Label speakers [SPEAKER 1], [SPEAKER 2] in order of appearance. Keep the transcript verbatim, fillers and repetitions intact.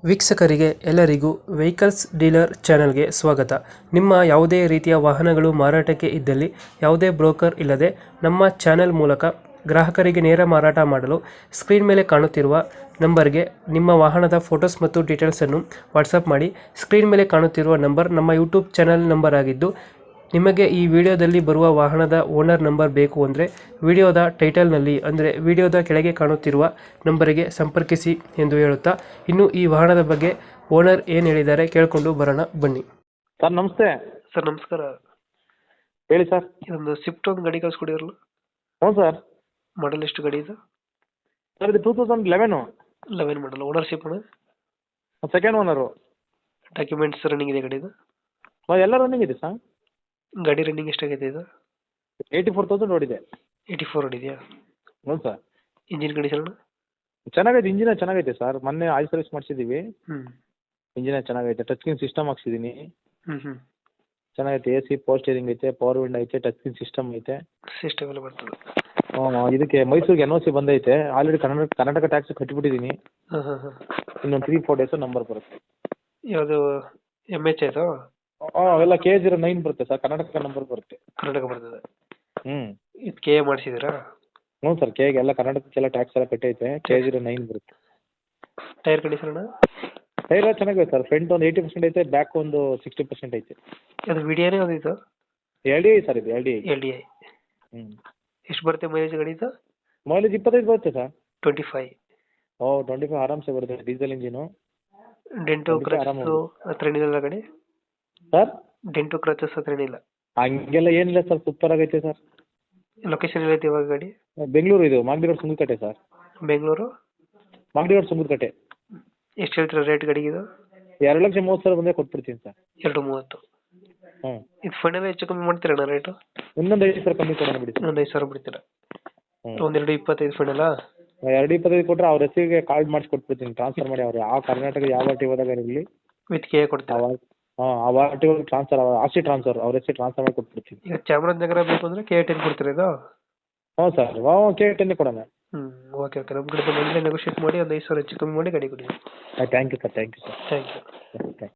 [SPEAKER 1] ವೀಕ್ಷಕರಿಗೆ ಎಲ್ಲರಿಗೂ vehicles dealer ಚಾನೆಲ್ಗೆ ಸ್ವಾಗತ. ನಿಮ್ಮ ಯಾವುದೇ ರೀತಿಯ ವಾಹನಗಳು ಮಾರಾಟಕ್ಕೆ ಇದ್ದಲ್ಲಿ ಯಾವುದೇ ಬ್ರೋಕರ್ ಇಲ್ಲದೆ ನಮ್ಮ ಚಾನೆಲ್ ಮೂಲಕ ಗ್ರಾಹಕರಿಗೆ ನೇರ ಮಾರಾಟ ಮಾಡಲು ಸ್ಕ್ರೀನ್ ಮೇಲೆ ಕಾಣುತ್ತಿರುವ ನಂಬರ್ಗೆ ನಿಮ್ಮ ವಾಹನದ ಫೋಟೋಸ್ ಮತ್ತು ಡೀಟೇಲ್ಸನ್ನು ವಾಟ್ಸಪ್ ಮಾಡಿ. ಸ್ಕ್ರೀನ್ ಮೇಲೆ ಕಾಣುತ್ತಿರುವ ನಂಬರ್ ನಮ್ಮ ಯೂಟ್ಯೂಬ್ ಚಾನೆಲ್ ನಂಬರ್ ಆಗಿದ್ದು, ನಿಮಗೆ ಈ ವಿಡಿಯೋದಲ್ಲಿ ಬರುವ ವಾಹನದ ಓನರ್ ನಂಬರ್ ಬೇಕು ಅಂದರೆ ವಿಡಿಯೋದ ಟೈಟಲ್ನಲ್ಲಿ ಅಂದರೆ ವಿಡಿಯೋದ ಕೆಳಗೆ ಕಾಣುತ್ತಿರುವ ನಂಬರಿಗೆ ಸಂಪರ್ಕಿಸಿ ಎಂದು ಹೇಳುತ್ತಾ, ಇನ್ನು ಈ ವಾಹನದ ಬಗ್ಗೆ ಓನರ್ ಏನು ಹೇಳಿದ್ದಾರೆ ಕೇಳಿಕೊಂಡು ಬರೋಣ ಬನ್ನಿ.
[SPEAKER 2] ಸರ್ ನಮಸ್ತೆ.
[SPEAKER 1] ಸರ್ ನಮಸ್ಕಾರ.
[SPEAKER 2] ಹೇಳಿ ಸರ್.
[SPEAKER 1] ಇದೊಂದು ಸ್ವಿಫ್ಟ್ ಒಂದು ಗಾಡಿ ಕಳಿಸ್ಕೊಡಿರಲ್ಲ,
[SPEAKER 2] ಹ್ಞೂ ಸರ್.
[SPEAKER 1] ಮಾಡಲ್ ಎಷ್ಟು ಗಾಡಿ ಇದು?
[SPEAKER 2] ಸರ್ ಇದು two thousand eleven
[SPEAKER 1] eleven model. Ownership
[SPEAKER 2] second owner.
[SPEAKER 1] Documents running ಇದೆ ಗಾಡಿದು?
[SPEAKER 2] ಎಲ್ಲ ರನ್ನಿಂಗ್ ಇದೆ ಸರ್.
[SPEAKER 1] ಗಾಡಿ ರನ್ನಿಂಗ್ ಎಷ್ಟಾಗಿದೆ ಇದು?
[SPEAKER 2] ಏಯ್ಟಿ ಫೋರ್ ತೌಸಂಡ್ ಓಡಿದೆ.
[SPEAKER 1] ಏಯ್ಟಿ ಫೋರ್ ಹೊಡಿದೆಯಾ?
[SPEAKER 2] ಹ್ಞೂ ಸರ್.
[SPEAKER 1] ಇಂಜಿನ್ ಕಂಡೀಷನ್
[SPEAKER 2] ಚೆನ್ನಾಗೈತೆ, ಇಂಜಿನ ಚೆನ್ನಾಗೈತೆ ಸರ್. ಮೊನ್ನೆ ಆಯಿಲ್ ಸರ್ವಿಸ್ ಮಾಡಿಸಿದ್ದೀವಿ.
[SPEAKER 1] ಹ್ಞೂ
[SPEAKER 2] ಇಂಜಿನ ಚೆನ್ನಾಗೈತೆ. ಟಚ್ ಸ್ಕ್ರೀನ್ ಸಿಸ್ಟಮ್ ಹಾಕ್ಸಿದ್ದೀನಿ.
[SPEAKER 1] ಹ್ಞೂ ಹ್ಞೂ
[SPEAKER 2] ಚೆನ್ನಾಗೈತೆ. ಎ ಸಿ, ಪವರ್ ಸ್ಟೇರಿಂಗ್ ಐತೆ, ಪವರ್ ವಿಂಡ್ ಐತೆ, ಟಚ್ ಸ್ಕ್ರೀನ್ ಸಿಸ್ಟಮ್ ಐತೆ.
[SPEAKER 1] ಸಿಸ್ಟಮ್ ಎಲ್ಲ ಬರ್ತದೆ.
[SPEAKER 2] ಹ್ಞೂ ಇದಕ್ಕೆ ಮೈಸೂರಿಗೆ ಎನ್ ಒ ಸಿ ಬಂದೈತೆ. ಆಲ್ರೆಡಿ ಕರ್ನಾಟಕ ಕರ್ನಾಟಕ ಟ್ಯಾಕ್ಸ್ ಕಟ್ಟಿಬಿಟ್ಟಿದ್ದೀನಿ.
[SPEAKER 1] ಹಾಂ ಹಾಂ ಹಾಂ
[SPEAKER 2] ಇನ್ನೊಂದು ತ್ರೀ ಫೋರ್ ಡೇಸು ನಂಬರ್ ಬರುತ್ತೆ.
[SPEAKER 1] ಯಾವುದು ಎಮ್ ಎಚ್ ಆಯಿತು?
[SPEAKER 2] ಹಾಂ ಅವೆಲ್ಲ ಕೆ ಜೀರೋ ನೈನ್ ಬರುತ್ತೆ ಸರ್. ಕರ್ನಾಟಕ ನಂಬರ್ ಬರುತ್ತೆ.
[SPEAKER 1] ಕರ್ನಾಟಕ ಬರ್ತದೆ.
[SPEAKER 2] ಹ್ಞೂ
[SPEAKER 1] ಇದು ಕೆ ಎ ಮಾಡಿಸಿದ್ದೀರಾ?
[SPEAKER 2] ಹ್ಞೂ ಸರ್. ಕೆಗೆ ಎಲ್ಲ ಕರ್ನಾಟಕಕ್ಕೆಲ್ಲ ಟ್ಯಾಕ್ಸ್ ಎಲ್ಲ ಕಟ್ಟೈತೆ. ಕೆ ಜೀರೋ ನೈನ್ ಬರುತ್ತೆ.
[SPEAKER 1] ಟೈರ್ ಕಂಡೀಷನ್
[SPEAKER 2] ಟೈರ್ ಚೆನ್ನಾಗಿದೆ ಸರ್. ಫ್ರಂಟ್ ಒಂದು ಏಯ್ಟಿ ಪರ್ಸೆಂಟ್ ಐತೆ, ಬ್ಯಾಕ್ ಒಂದು ಸಿಕ್ಸ್ಟಿ ಪರ್ಸೆಂಟ್ ಐತೆ.
[SPEAKER 1] ಅದು ವಿಡಿಯೋನೇ ಅದು ಇದು?
[SPEAKER 2] L D I sir. ಇದು L D I.
[SPEAKER 1] L D I.
[SPEAKER 2] ಹ್ಞೂ
[SPEAKER 1] ಎಷ್ಟು ಬರುತ್ತೆ ಮೈಲೇಜ್ ಗಾಡಿ ಇದು?
[SPEAKER 2] ಮೈಲೇಜ್ ಇಪ್ಪತ್ತೈದು ಬರುತ್ತೆ sir.
[SPEAKER 1] Twenty five?
[SPEAKER 2] Oh twenty five ಆರಾಮ್ಸೆ ಬರುತ್ತೆ. Diesel engine.
[SPEAKER 1] ಡೆಂಟು ಕ್ರಚಸ್ಸು ಹತ್ರ ಏನಿಲ್ಲ ಗಾಡಿ?
[SPEAKER 2] ಸರ್
[SPEAKER 1] ಡೆಂಟು ಕ್ರಚಸ್ ಹತ್ರ ಏನಿಲ್ಲ?
[SPEAKER 2] ಹಂಗೆಲ್ಲ ಏನಿಲ್ಲ ಸರ್. ಸೂಪರ್ ಆಗೈತೆ ಸರ್.
[SPEAKER 1] ಲೊಕೇಶನ್ ಎಲ್ಲೈತೆ ಇವಾಗ ಗಾಡಿ?
[SPEAKER 2] ಬೆಂಗಳೂರು. ಇದು Magadi road Sungadakatte sir.
[SPEAKER 1] Bengaluru
[SPEAKER 2] Magadi road Sungadakatte.
[SPEAKER 1] ಎಷ್ಟು ಹೇಳ್ತೀರಾ ರೇಟ್ ಗಾಡಿಗೆ ಇದು?
[SPEAKER 2] ಎರಡು ಲಕ್ಷ ಮೂವತ್ತು ಸಾವಿರ ಬಂದರೆ ಕೊಟ್ಬಿಡ್ತೀನಿ ಸರ್.
[SPEAKER 1] ಎರಡು ಮೂವತ್ತು?
[SPEAKER 2] ಹ್ಞೂ
[SPEAKER 1] ಇದು ಫೈನಲ್ ಹೆಚ್ಚು ಕಮ್ಮಿ ಮಾಡ್ತೀರಣ್ಣ ರೇಟು?
[SPEAKER 2] ಇನ್ನೊಂದು ಐದು ಸಾವಿರ ಕಮ್ಮಿ ಕೊಡೋಣ ಬಿಡಿ ಸರ್.
[SPEAKER 1] ಇನ್ನೊಂದು ಐದು ಸಾವಿರ ಬಿಡ್ತೀರಾ?
[SPEAKER 2] ಹ್ಞೂ
[SPEAKER 1] ಒಂದೆರಡು ಇಪ್ಪತ್ತೈದು ಫೈನಲಾ?
[SPEAKER 2] ಎರಡು ಇಪ್ಪತ್ತೈದು ಕೊಟ್ಟರೆ ಅವ್ರ ಹೆಸರಿಗೆ ಕಾರ್ಡ್ ಮಾಡಿಸಿ ಕೊಟ್ಬಿಡ್ತೀನಿ. ಟ್ರಾನ್ಸ್ಫರ್ ಮಾಡಿ ಅವ್ರು ಯಾವ ಕರ್ನಾಟಕ ಯಾವ ಆರ್ ಟಿ ಹೋದಾಗ ಇರಲಿ
[SPEAKER 1] ವಿತ್ ಕೆ ಕೊಡ್ತೀರಾ?
[SPEAKER 2] ಅವಾಗ ಹಾಂ ಆ ಆರ್ ಟಿ ಹೋಗಿ ಟ್ರಾನ್ಸ್ಫರ್ ಆಸ್ತಿ ಟ್ರಾನ್ಸ್ಫರ್ ಅವ್ರ ಹೆಸರು ಟ್ರಾನ್ಸ್ಫರ್ ಮಾಡಿ ಕೊಟ್ಬಿಡ್ತೀನಿ.
[SPEAKER 1] ಈಗ ಚಾಮರಾಜನಗರ ಬೇಕು ಅಂದರೆ ಕೆ ಟೆನ್ ಕೊಡ್ತೀರಾ ಇದು?
[SPEAKER 2] ಹ್ಞೂ ಸರ್. ಹಾಂ ಕೆ ಟೆನ್ನೇ ಕೊಡೋಣ.
[SPEAKER 1] ಹ್ಞೂ ಓಕೆ ಓಕೆ. ನಮ್ಮ ಕಡೆ ಬಂದರೆ ನೆಗೋಷಿಯೇಟ್ ಮಾಡಿ ಒಂದು ಐದು ಸಾವಿರ ಹೆಚ್ಚು ಕಮ್ಮಿ ಮಾಡಿ ಗಾಡಿ ಕೊಡಿ.
[SPEAKER 2] Thank you sir. Thank you sir.
[SPEAKER 1] Thank you.
[SPEAKER 2] Thank you.